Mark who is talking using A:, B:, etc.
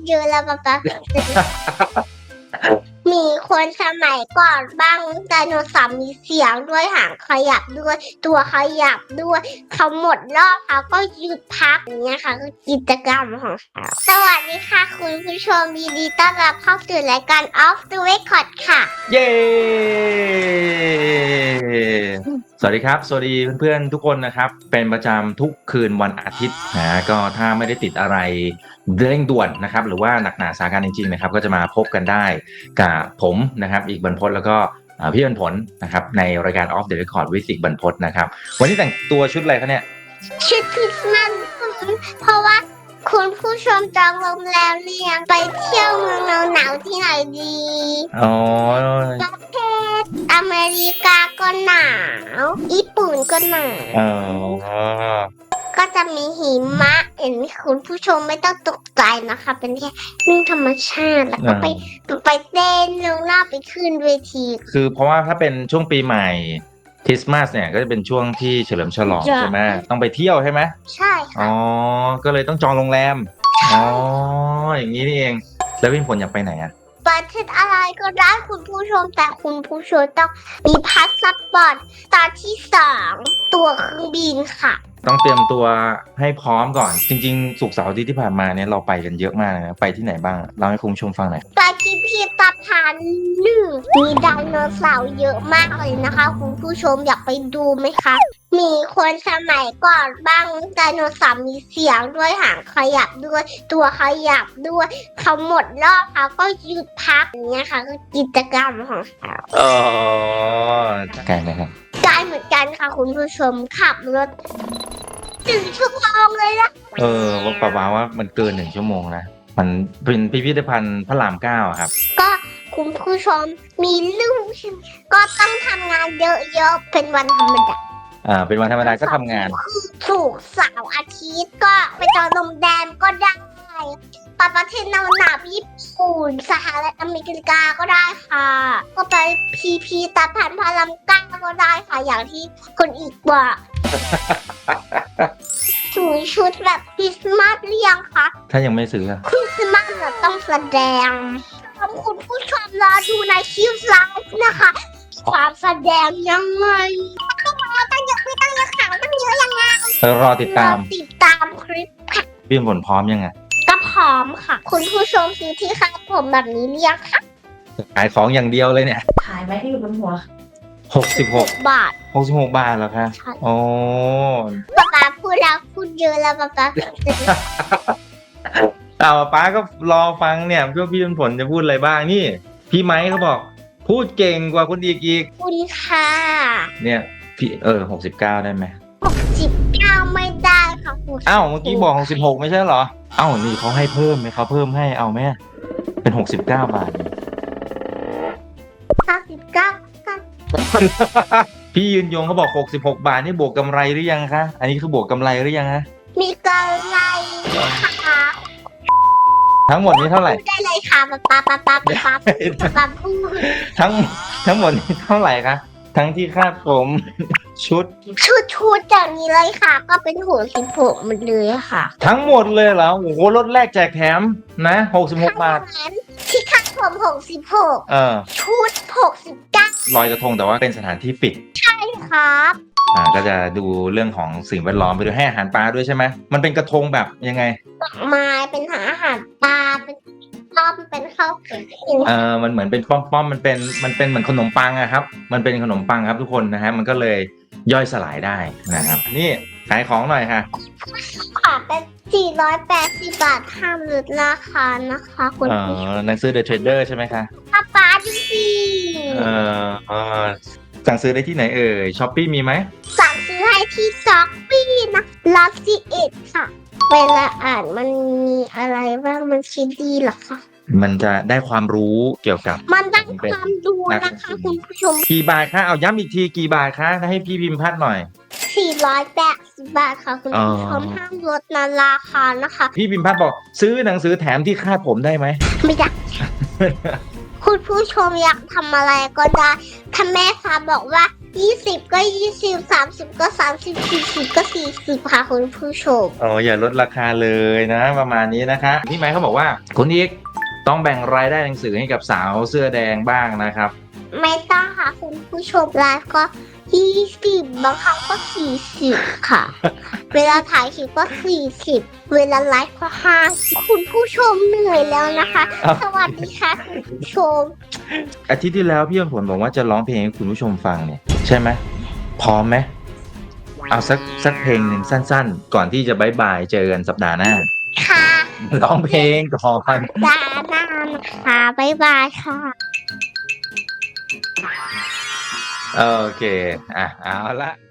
A: เยอะแล้วป๊ามีคนสมัยก่อนบ้างไดโนเสาร์มีเสียงด้วยหางขยับด้วยตัวขยับด้วยเขาหมดรอบเขาก็หยุดพักอย่างเงี้ยค่ะคือกิจกรรมของเขาสวัสดีค่ะคุณผู้ชมยินดีต้อนรับเข้าสู่รายการ Off the Record ค่ะ
B: เย้ สวัสดีครับ สวัสดีเพื่อนๆทุกคนนะครับ เป็นประจำทุกคืนวันอาทิตย์นะก็ถ้าไม่ได้ติดอะไรเร่งด่วนนะครับ หรือว่าหนักหนาสาการจริงๆนะครับ ก็จะมาพบกันได้กับผมนะครับ อีกบรรพตแล้วก็พี่บรรพตนะครับ ในรายการ Off the Record วิสิกบรรพตนะครับ วันนี้แต่งตัวชุดอะไรคะเนี่ย
A: ชุดคริสต์มาสเพราะว่าคุณผู้ชมจองโรงแรมเรียงไปเที่ยวเมืองหนาวๆที่ไหนดี
B: อ๋อ
A: ประเทศอเมริกาก็หนาวญี่ปุ่นก็หนาว
B: อ๋อ
A: ก็จะมีหิมะเห็นไหมคุณผู้ชมไม่ต้องตกใจนะคะ เป็นแค่เรื่องธรรมชาติแล้วก็ไปเต้นลงหน้าไปขึ้นเวที
B: คือเพราะว่าถ้าเป็นช่วงปีใหม่คริสต์มาสเนี่ยก็จะเป็นช่วงที่เฉลิมฉลองใช่ไหมต้องไปเที่ยวใช่ไหม
A: ใช่ค่ะ
B: อ๋อ ก็เลยต้องจองโรงแรม อ๋อ อย่างนี้นี่เอง แล้วพี่ผลอยากไปไหนอ่ะ
A: ประเทศอะไรก็ได้คุณผู้ชมแต่คุณผู้ชมต้องมีพาสปอร์ตตอนที่2ตั๋วเครื่องบินค่ะ
B: ต้องเตรียมตัวให้พร้อมก่อน จริงๆศุกร์เสาร์อาทิตย์ที่ผ่านมาเนี่ยเราไปกันเยอะมากนะไปที่ไหนบ้างเล่าให้คุณผู้ชมฟังหน่อย
A: ไปพิพิธภัณฑ์หนึ่งมีไดโนเสาร์เยอะมากเลยนะคะคุณผู้ชมอยากไปดูไหมคะมีคนสมัยก่อนบ้างไดโนเสาร์มีเสียงด้วยหางขยับด้วยตัวขยับด้วยเขาหมดรอบเขาก็หยุดพักอย่างเงี้ยค่ะคือกิจกรรมของเขา
B: อ๋อไกลไหมครับ
A: ไกลเหมือนกันค่ะคุณผู้ชมขับรถ1 ชั่วโมงเลยนะ
B: ว่าป่าวว่ามันเกิน1 ชั่วโมงนะ มันเป็นพิพิธภัณฑ์พระราม9อะครับ
A: ก็คุณผู้ชมมีลูกใช่ไหมก็ต้องทำงานเยอะๆเป็นวันธรรมดา
B: เป็นวันธรรมดาก็ทำงาน
A: คือศุกร์เสาร์อาทิตย์ก็ไปจองโรงแรมก็ได้ไปประเทศหนาวๆญี่ปุ่นสหรัฐอเมริกาก็ได้ค่ะ ก็ไปพีพีตาพันพารามก้าก็ได้ค่ะอย่างที่คนอีกบอกถือชุดแบบคริสต์มาสเรียงคะ
B: ถ้ายังไม่ซื้ออะ
A: คริสต์มาสเราต้องแสดงคุณผู้ชมรอดูในคลิปไลฟ์นะคะ ความแสดงยังไงตั้งเยอะไม่ตั้งเยอะข่าวตั้งเยอะยังไง
B: รอติดตาม
A: ติดตามคลิปค่ะ
B: พี่ผลพร้อมยังไง
A: ก็พร้อมค่ะ คุณผู้ชมซื้อที่คาดผมแบบนี้เรียกค่ะ
B: ขายของอย่างเดียวเลยเนี่ย
C: ขายไว้ที่อยู่บนหัว
B: 66
A: บาท
B: 66 บาทเหรอคะ
A: ใช่
B: โอ้
A: ป๊าพูดแล้วพูดเยอะแล้วป๊า
B: ป้าก็รอฟังเนี่ยพี่ผลจะพูดอะไรบ้างนี่ พี่ไม้เขาบอก พูดเก่งกว่าคนอีก
A: คุณค่ะ
B: เนี่ยพี่69ได้ไหม
A: 19ไม่ได้ค่ะคุณ
B: อ้าวเมื่อกี้บอก66ไม่ใช่เหรออ้าวนี่เขาให้เพิ่มไหมเขาเพิ่มให้เอาไหมเป็น69 บาท
A: 59
B: พี่ยืนยงเขาบอก66 บาทนี่บวกกำไรหรือยังคะอันนี้คือบวกกำไรหรือยังฮะ
A: มีกำไรค่ะ
B: ทั้งหมดนี้เท่าไหร่
A: ได้เลยค่ะป๊าพูด
B: ทั้งหมดนี้เท่าไหร่คะทั้งที่คาดผมชุด
A: ชุดอย่างนี้เลยค่ะ ก็เป็นหัว16หมดเลยค่ะ
B: ทั้งหมดเลยเหรอโอ้โหลดแรกแจกแถมนะ66 บาท
A: ที่คาดผม66ชุด69
B: ลอยกระทงแต่ว่าเป็นสถานที่ปิด
A: ครับ
B: ก็จะดูเรื่องของสิ่งแวดล้อมไปด้วยให้อาหารปลาด้วยใช่ไหมมันเป็นกระทงแบบยังไง
A: ดอกไม้เป็นอาหารปลาเป็นต้อมเป็นข้าวเกรี๊ยว
B: มันเหมือนเป็นป้อมๆมันเป็นเหมือนขนมปังอะครับมันเป็นขนมปังครับทุกคนนะฮะมันก็เลยย่อยสลายได้นะครับนี่ขายของหน่อยค่ะ
A: ค่ะเป็น480 บาทห้ามลดราคานะคะคุณผู้ชม
B: หนังสือ The Trader ใช่ไหมคะ
A: ป๊าดูสิ
B: สั่งซื้อได้ที่ไหนช้อปปี้มีไหม
A: สั่งซื้อให้ที่ช็อปปี้นะลัสซี่เอ็ดค่ะ เวลาอ่านมันมีอะไรบ้างมันคิดดีเหรอคะ
B: มันจะได้ความรู้เกี่ยวกับ
A: มันได้ความดูนะคะคุณผู้ชม
B: กี่บาทคะเอาย้ำอีกทีกี่บาทคะให้พี่พิมพ์พัดหน่อย
A: 480 บาทค่ะคุณผู้ชมห้ามลดนะราคานะคะ
B: พี่พิมพ์พัดบอกซื้อหนังสือแถมที่คาดผมได้ไหม
A: ไม่ได้ คุณผู้ชมอยากทำอะไรก็ได้ถ้าแม่ค้าบอกว่า 20ก็20 30ก็30 40ก็40ค่ะคุณผู้ชม
B: อ๋ออย่าลดราคาเลยนะประมาณนี้นะคะพี่ไม้เขาบอกว่าคุณอีกต้องแบ่งรายได้หนังสือให้กับสาวเสื้อแดงบ้างนะครับ
A: ไม่ต้องค่ะคุณผู้ชมไลฟ์ก็20บางครั้งก็40ค่ะ เวลาถ่ายคลิปก็40เวลาไลฟ์ก็50คุณผู้ชมเหนื่อยแล้วนะคะ
B: อ้าว
A: สวัสดีค่ะคุณผู้ชม
B: อาทิตย์ที่แล้วพี่ผลบอกว่าจะร้องเพลงให้คุณผู้ชมฟังเนี่ยใช่ไหมพร้อมไหมเอาสักเพลงหนึ่งสั้นๆ ก่อนที่จะบายบายเจอกันสัปดาห์หน้า
A: ค่ะ
B: ร้องเพลงก่อน
A: ดาหน้านะคะบ๊ายบายค่ะ
B: โอเคเอาละ